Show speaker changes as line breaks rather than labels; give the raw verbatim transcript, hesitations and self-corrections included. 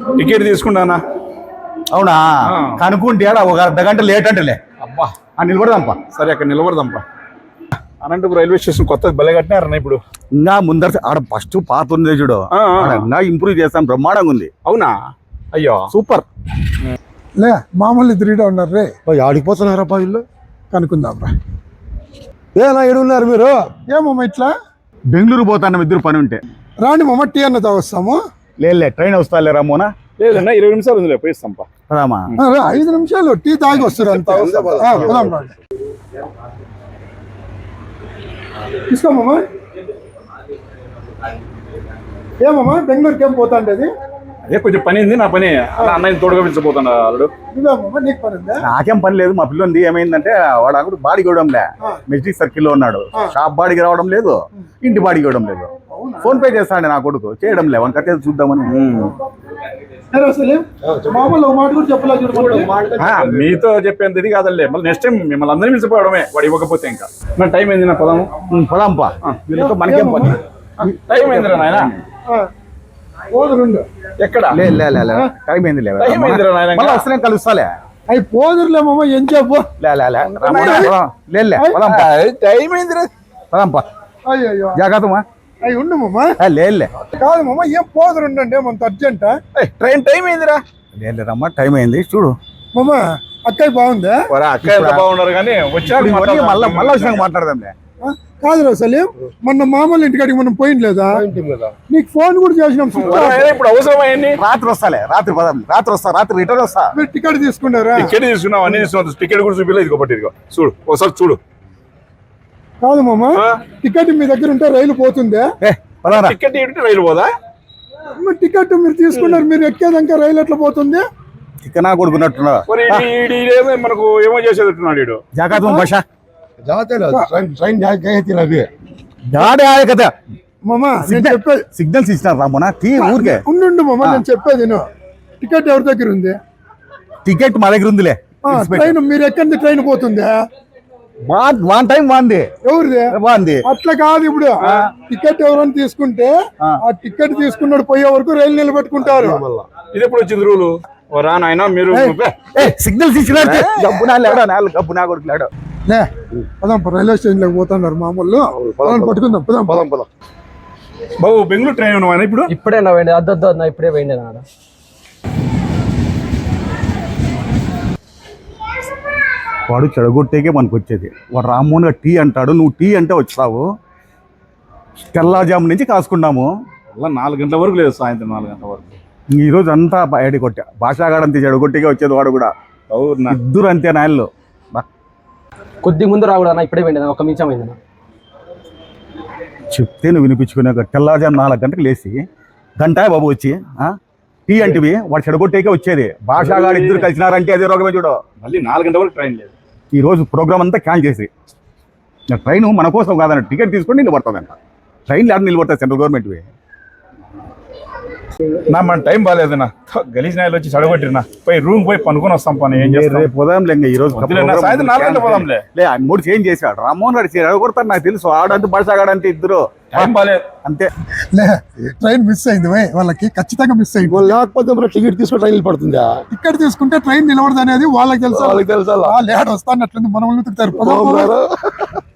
Ticket తీసుకుంటానా?
అవునా? కనుక్కుంటే ఒక అర్ధ గంట లేట్ అంటలే.
అబ్బా
నిలబడదాంపా.
సరే అక్కడ నిలబడదాంపా. అనంతపురం రైల్వే స్టేషన్ కొత్త బలే కట్టినారన్న ఇప్పుడు.
ఇంకా ముందర ఆడ ఫస్ట్ పాత ఉంది చూడు, ఇంకా ఇంప్రూవ్ చేస్తాం, బ్రహ్మాండంగా ఉంది.
అవునా? అయ్యో సూపర్.
లే మామూలు తిరిగిట ఉన్నారు రే.
ఆడిపోతున్నారా పా వీళ్ళు?
కనుక్కుందాం రా.
ఏనా ఏడున్నారు మీరు?
ఏమమ్మా ఇట్లా?
బెంగళూరు పోతాను ఇద్దరు పని ఉంటే.
రాండి మమ్మ, టీ అన్న తాగొస్తాము.
లేదులే ట్రైన్ వస్తా లేరా మోనా?
లేదన్నా ఇరవై నిమిషాలు ఉందిలే, పోయిస్తాంపా.
పదామా?
ఐదు నిమిషాలు టీ తాగి వస్తారు అంతా. తీసుకోమమ్మా. ఏమమ్మా బెంగళూరుకి ఏం పోతా అంటే?
అదే కొంచెం పని ఉంది, నా పని అన్నయ్య తోడుగా పిలిచిపోతాడు వాళ్ళు.
నీకు పని ఉందా?
నాకేం పని లేదు. మా పిల్లలు ఏమైందంటే వాడు అక్కడ బాడీకి ఇవ్వడంలే, మెజిక్ సర్కిల్ లో ఉన్నాడు. షాప్ బాడీకి రావడం లేదు, ఇంటి బాడీకి ఇవ్వడం లేదు. ఫోన్ పే చేస్తాడు నా కొడుకు, చేయడం లే. వన్ కట్టే చూద్దామని.
మీతో చెప్పేంత ఇది కాదలే, మళ్ళీ నెక్స్ట్ టైం మిమ్మల్ని అందరినీ పిలిచిపోవడమే వాడు ఇవ్వకపోతే. ఇంకా నా టైం అయింది, నా పదము
పదాంపా. వీళ్ళతో మనకేం పని?
టైం అయిందిరా నాయన. ఎక్కడ?
టైం అయింది లే, కలుస్తాలే.
అవి పోదురులేమమ్మా, ఏం చెప్పు.
టైం అయిందిరా,
పదాంపా.
అయ్యో
జాగ్రత్తమా.
అవి ఉండమమ్మా.
లేదులే
కాదు మమ్మ, ఏం పోదురు ఉండండి, ఏమంత అర్జెంట్?
ట్రైన్ టైం అయిందిరా.
లేదమ్మా, టైం అయింది చూడు.
మమ్మ అక్కయ్య బాగుందా?
అక్కయ్య బాగున్నారు కానీ వచ్చాక
మళ్ళీ మళ్ళీ వచ్చినాక మాట్లాడదాంలే.
కాదు సలీం, మొన్న మామూలు ఇంటికాడికి మనం పోయింది లేదా? నీకు ఫోన్ కూడా చేసినాం.
ఇప్పుడు అవసరమైంది.
రాత్రి వస్తాలే, రాత్రి పదం రాత్రి వస్తా, రాత్రి రిటర్న్ వస్తా.
మీరు టికెట్ తీసుకున్నారా?
టికెట్ తీసుకున్నాం, అన్ని తీసుకున్నాం. టికెట్ కూడా చూపిలేదు, ఇదిగో పట్టి ఇదిగో చూడు, ఒకసారి చూడు.
కాదు మామ, టికెట్ మీ దగ్గర ఉంటే రైలు పోతుందా?
టికెట్ ఏంటి రైలు పోదా?
టికెట్ మీరు తీసుకున్నారు, మీరు ఎక్కేదాకా రైలు ఎట్లా పోతుంది?
చికెనా కొడుకున్నట్టున్నా
మనకు ఏమో చేసేటట్టున్నాడు.
జాగ్రత్త భాష సిగ్నల్స్ ఇచ్చినారు రామోనా. టీ ఊరికే
ఉండు మామ, నేను చెప్పేది టికెట్ ఎవరి దగ్గర ఉంది?
టికెట్ మా దగ్గర ఉందిలే.
ట్రైన్ మీరు ఎక్కడి ట్రైన్ పోతుందా?
వన్ టైం బాగుంది.
ఎవరిది
బాగుంది?
అట్లా కాదు, ఇప్పుడు టికెట్ ఎవరైనా తీసుకుంటే ఆ టికెట్ తీసుకున్నాడు పోయే వరకు రైలు నిలబెట్టుకుంటారు.
ఇది ఎప్పుడు వచ్చింది రూలు? రానాయన మీరు
సిగ్నల్స్ ఇచ్చినాడు. గబ్బు నా లేడా, నాలుగు గబ్బు నా కొడుకు లేడు.
లే పదాం, రైల్వే స్టేషన్ లోకి పోతున్నారు మామూలు. పట్టుకుందాం, పదాం పదాం పదాం.
బాబు బెంగళూరు ట్రైన్ ఉన్నావా ఇప్పుడు?
ఇప్పుడే నా పోయింది, అద్దొద్దు అన్న, ఇప్పుడే పోయింది నాన్న.
వాడు చెడగొట్టేకే మనకు వచ్చేది. వాడు రామ్మోహన్గా టీ అంటాడు, నువ్వు టీ అంటే వచ్చావు. తెల్లాజాము నుంచి కాసుకున్నాము,
నాలుగు గంటల వరకు లేదు, సాయంత్రం నాలుగు గంటల వరకు.
ఈరోజు అంతా బయట కొట్టా. భాషాగాడంతే చెడగొట్టేకే వచ్చేది వాడు కూడా. ఇద్దరు అంతే నాయళ్ళు.
కొద్ది ముందు రాకూడదు అన్న, ఇప్పుడే పోయింది, ఒక నిమిషం అయింది.
చెప్తే నువ్వు వినిపించుకునే తెల్లాజాము నాలుగు గంటలకు లేచి గంట బాబు వచ్చి టీ అంటివి, వాడు చెడగొట్టేకే వచ్చేది. భాషాగాడు ఇద్దరు కలిసినారంటే అదే రోగమే చూడు.
మళ్ళీ నాలుగు గంటల వరకు ట్రైన్ లేదు.
ఈ రోజు ప్రోగ్రామ్ అంతా క్యాన్సిల్ చేసి, ట్రైన్ మన కోసం కాదన్న, టికెట్ తీసుకొని నిలబడుతుందంట. ట్రైన్ లేక నిలబడతాయి సెంట్రల్ గవర్నమెంట్వి.
నా మన టైం బాగాలేదన్నా, గలీజ్ నాయలు వచ్చి చెడగొట్టినా. పోయి రూమ్ పోయి పనుకొని వస్తాం పని. ఏం చేస్తాం,
పోదాంలే. ఈ రోజు
సాయంత్రం నాలుగు గంటల పోదాంలే.
లే మూడు చేంజ్ చేశాడు రామ్మోహన్ గారు, చెడగొడతాడు నాకు తెలుసు. ఆడంతా భాషాగాడంతే ఇద్దరు
టైం బాగాలేదు
అంతే.
లే ట్రైన్ మిస్ అయింది వాళ్ళకి, ఖచ్చితంగా మిస్ అయింది.
లేకపోతే మన టికెట్ తీసుకుని ట్రైన్ పడుతుందా?
టికెట్ తీసుకుంటే ట్రైన్ నిలబడదు అనేది వాళ్ళకి తెలుసు. వాళ్ళకి తెలుసు, లేట్ వస్తానట్లుంది, మనం వెతుకుతారు.